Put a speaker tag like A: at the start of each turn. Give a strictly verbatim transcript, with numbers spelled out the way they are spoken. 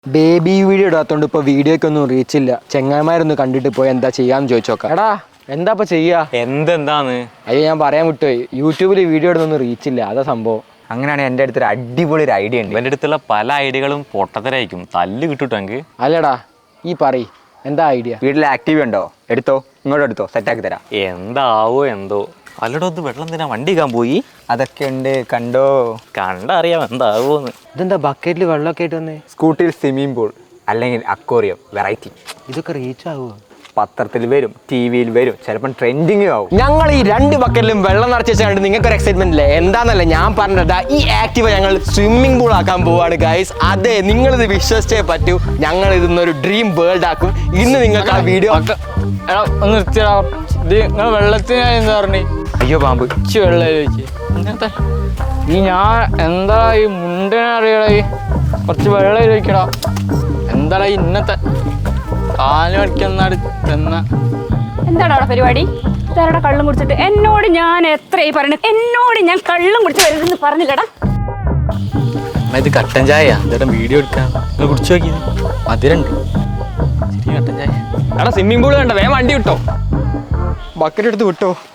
A: Baby video ഇടാത്തോണ്ട് ഇപ്പൊ വീഡിയോക്കൊന്നും reach ഇല്ല. ചെങ്ങായിമാരൊന്ന് കണ്ടിട്ട് പോയി എന്താ ചെയ്യാന്ന് ചോദിച്ചോക്കാം. എടാ എന്താ ഇപ്പൊ ചെയ്യാ?
B: എന്തെന്താന്ന്?
A: അയ്യോ ഞാൻ പറയാൻ വിട്ടുപോയി, യൂട്യൂബിൽ വീഡിയോ ഇടുന്നൊന്നും റീച്ച് ഇല്ല, അതാ സംഭവം.
B: അങ്ങനെയാണെങ്കിൽ എൻ്റെ അടുത്തൊരു അടിപൊളി ഒരു ഐഡിയ ഉണ്ട്. എൻ്റെ അടുത്തുള്ള പല ഐഡിയകളും പൊട്ടത്തരായിരിക്കും, തല്ല് കിട്ടൂട്ടെങ്കിൽ.
A: അല്ലടാ ഈ പറയ് എന്താ ഐഡിയ?
B: വീട്ടിൽ ആക്റ്റീവ് ഉണ്ടോ? എടുത്തോ, ഇങ്ങോട്ട് എടുത്തോ, സെറ്റാക്കി തരാം.
C: എന്താവോ എന്തോ. അല്ലടോ ഇത് വെള്ളം എന്തിനാ വണ്ടി കാൻ പോയി?
B: അതൊക്കെ ഉണ്ട്, കണ്ടോ?
C: കണ്ടറിയാം എന്താവോന്ന്.
A: ഇതെന്താ ബക്കറ്റിൽ വെള്ളമൊക്കെ ആയിട്ട് വന്നേ?
B: സ്കൂട്ടിയിൽ സ്വിമ്മിംഗ് പൂൾ അല്ലെങ്കിൽ അക്വേറിയം, വെറൈറ്റി.
A: ഇതൊക്കെ റീച്ച് ആവുമോ?
B: പത്രത്തിൽ വരും, ടി വിയിൽ വരും, ചിലപ്പം ട്രെൻഡിങ് ആവും.
A: ഞങ്ങൾ ഈ രണ്ട് ബക്കറ്റിലും വെള്ളം നിറച്ച് വെച്ചാൽ നിങ്ങൾക്ക് ഒരു എക്സൈറ്റ്മെന്റ് ഇല്ലേ? എന്താന്നല്ലേ ഞാൻ പറഞ്ഞതാ, ഈ ആക്റ്റീവ് ഞങ്ങൾ സ്വിമ്മിംഗ് പൂൾ ആക്കാൻ പോവാണ് ഗൈസ്. അതെ, നിങ്ങളിത് വിശ്വസിച്ചേ പറ്റൂ. ഞങ്ങൾ ഇതൊന്നൊരു ഡ്രീം വേൾഡ് ആക്കും. ഇന്ന് നിങ്ങൾക്ക് ആ വീഡിയോ
D: ഒന്ന് നിർത്തിയടാ. ഇത് നിങ്ങൾ വെള്ളത്തിന് എന്താ പറഞ്ഞു?
B: അയ്യോ പാമ്പ്
D: ഇച്ചി വെള്ളം ചോദിച്ചു. ഇങ്ങനത്തെ ഈ ഞാൻ എന്താ ഈ മുണ്ടിനെ അറിയടാ, ഈ കുറച്ച് വെള്ളം ചോദിക്കടാ. എന്താടാ ഇന്നത്തെ കാല് പഠിക്കുന്നാട് ചെന്ന
E: എന്താണ് അവിടെ പരിപാടി? ഇതാരടാ കള്ളും കുടിച്ചിട്ട്? എന്നോട് ഞാൻ എത്രയായി പറയുന്നത്, എന്നോട് ഞാൻ കള്ളും കുടിച്ച് വരുന്നെന്ന് പറഞ്ഞില്ലടാ.
C: ഇത് കട്ടൻ ചായ ചേട്ടൻ വീഡിയോ എടുക്കാൻ നിങ്ങൾ കുടിച്ചു നോക്കി. മധുരണ്ട് ശരി. കട്ടൻ ചായ.
D: എടാ സ്വിമ്മിംഗ് പൂൾ കണ്ട, വേഗം വണ്ടി വിട്ടോ.
A: ബക്കറ്റ് എടുത്ത് വിട്ടോ.